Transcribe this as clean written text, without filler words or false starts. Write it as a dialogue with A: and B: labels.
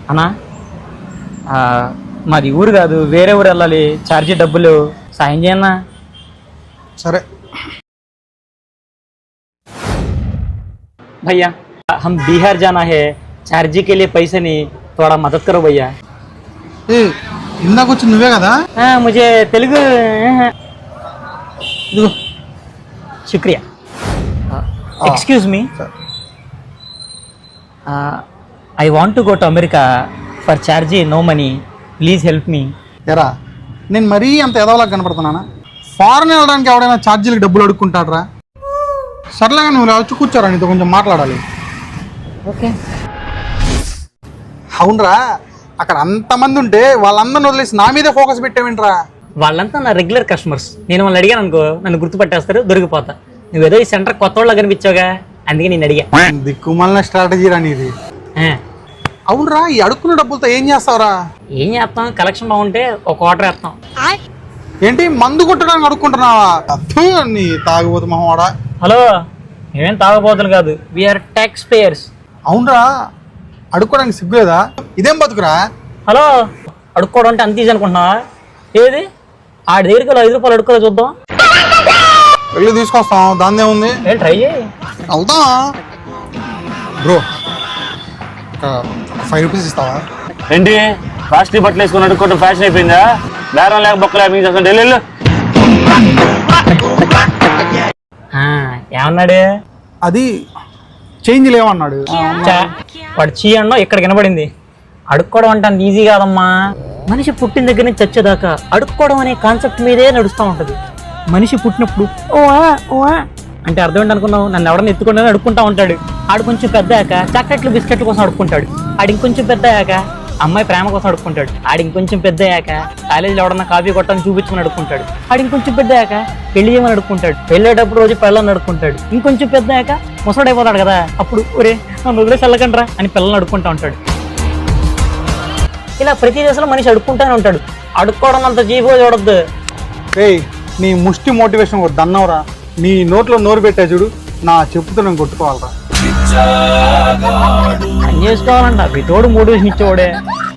A: అన్నా మాది ఊరు కాదు, వేరే ఊరు వెళ్ళాలి. ఛార్జీ డబ్బులు సాయం చేయన్నా.
B: సరే
A: भैया हम बिहार जाना है, चार्जी के लिए पैसे नहीं, थोड़ा मदद करो भैया.
B: ఏ ఇందాక వచ్చి నువ్వే కదా?
A: मुझे तेलुगु
B: ఇదిగో
A: शुक्रिया. Excuse me, I want to go to America for chargy, no money, please help me.
B: ఎరా నేను మరీ అంత ఎదవలా కనపడుతున్నానా? ఫారెన్ వెళ్ళడానికి ఎవడైనా ఛార్జీలకు డబ్బులు అడుక్కుంటాడ్రా? సర్లేగా నువ్వు వచ్చి కూర్చోరా, నీతో కొంచెం మాట్లాడాలి.
A: ఓకే.
B: అవునరా, అక్కడ అంతమంది ఉంటే వాళ్ళందరిని వదిలేసి నా మీదే ఫోకస్ పెట్టావేంట్రా?
A: వాళ్ళంతా నా రెగ్యులర్ కస్టమర్స్. నేను వాళ్ళని అడిగాను అనుకో, నన్ను గుర్తుపట్టేస్తారు, దొరికిపోతా. నువ్వేదో ఈ సెంటర్ కొత్త వాళ్ళ కనిపించావుగా, అందుకే నేను అడిగా.
B: దిక్కుమాలిన స్ట్రాటజీ రా నీది. అవునరా, ఈ అడుక్కున్న డబ్బులతో ఏం చేస్తావురా?
A: ఏం చేస్తాం, కలెక్షన్ బాగుంటే ఒక ఆర్డర్ వేస్తాం.
B: ఏంటి మందు కొట్టడానికి అడుక్కుంటున్నావా? నీ తాగుబోతు మొహవాడా.
A: హలో, మేమేం తాగబోతులు కాదు, వీఆర్ ట్యాక్స్ పేయర్స్.
B: అవునరా, అడుక్కోవడానికి సిగ్గులేదా? ఇదేం బతుకురా?
A: హలో, అడుక్కోవడం అంటే అంత ఈజీ అనుకుంటున్నావా? ఏది ఆడి దగ్గరికి 5 రూపాయలు అడుక్కోలే చూద్దాం.
B: వెళ్ళి తీసుకొస్తాం, దాన్నే ఉంది.
A: ట్రై చేయి.
B: అవుతా బ్రో, ఒక 5 రూపీస్ ఇస్తావా?
C: ఏంటి కాస్ట్లీ బట్టలు వేసుకుని అడుక్కోవడం ఫ్యాషన్ అయిపోయిందా? బేరం లేక బొక్కలే మీకు చేస్తాను. వెళ్ళు.
A: ఏమన్నాడు?
B: అది చేంజ్ లేవన్నాడు.
A: వాడు చీ అన్నా ఇక్కడ వినపడింది. అడుక్కోవడం అంటే అంత ఈజీ కాదమ్మా. మనిషి పుట్టిన దగ్గర నుంచి చచ్చేదాకా అడుక్కోవడం అనే కాన్సెప్ట్ మీదే నడుస్తూ ఉంటుంది. మనిషి పుట్టినప్పుడు ఓ అంటే అర్థం ఏంటి అనుకున్నావు? నన్ను ఎవడన్నా ఎత్తుకుంటే అడుక్కుంటా ఉంటాడు. ఆడు కొంచెం పెద్దయాక చాక్లెట్లు బిస్కెట్ల కోసం అడుక్కుంటాడు. ఆడు ఇంకొంచెం పెద్దయాక అమ్మాయి ప్రేమ కోసం అడుక్కుంటాడు. ఆడు ఇంకొంచెం పెద్దయాక కాలేజీలో ఎవడన్నా కాఫీ కొట్టని చూపించమని అడుక్కుంటాడు. ఆడు ఇంకొంచెం పెద్దయాక పెళ్లి చేయమని అడుక్కుంటాడు. వెళ్ళేటప్పుడు రోజు పిల్లల్ని అడుక్కుంటాడు. ఇంకొంచెం పెద్దయాక ముసడైపోతాడు కదా, అప్పుడు ఒరే నన్ను వదిలేసి వెళ్ళకండ్రా అని పిల్లల్ని అడుక్కుంటా ఉంటాడు. ఇలా ప్రతి దశలో మనిషి అడుక్కుంటానే ఉంటాడు. అడుక్కోవడం అంత చీపుగా చూడొద్దు.
B: ఏయ్, నీ ముష్టి మోటివేషన్ ఒక దన్నవరా. నీ నోట్లో నోరు పెట్టా చూడు, నా చెప్పుతో నేను కొట్టుకోవాలరా.
A: పని చేసుకోవాలంట, మీ తోడు మోటివేషన్ ఇచ్చేవాడే.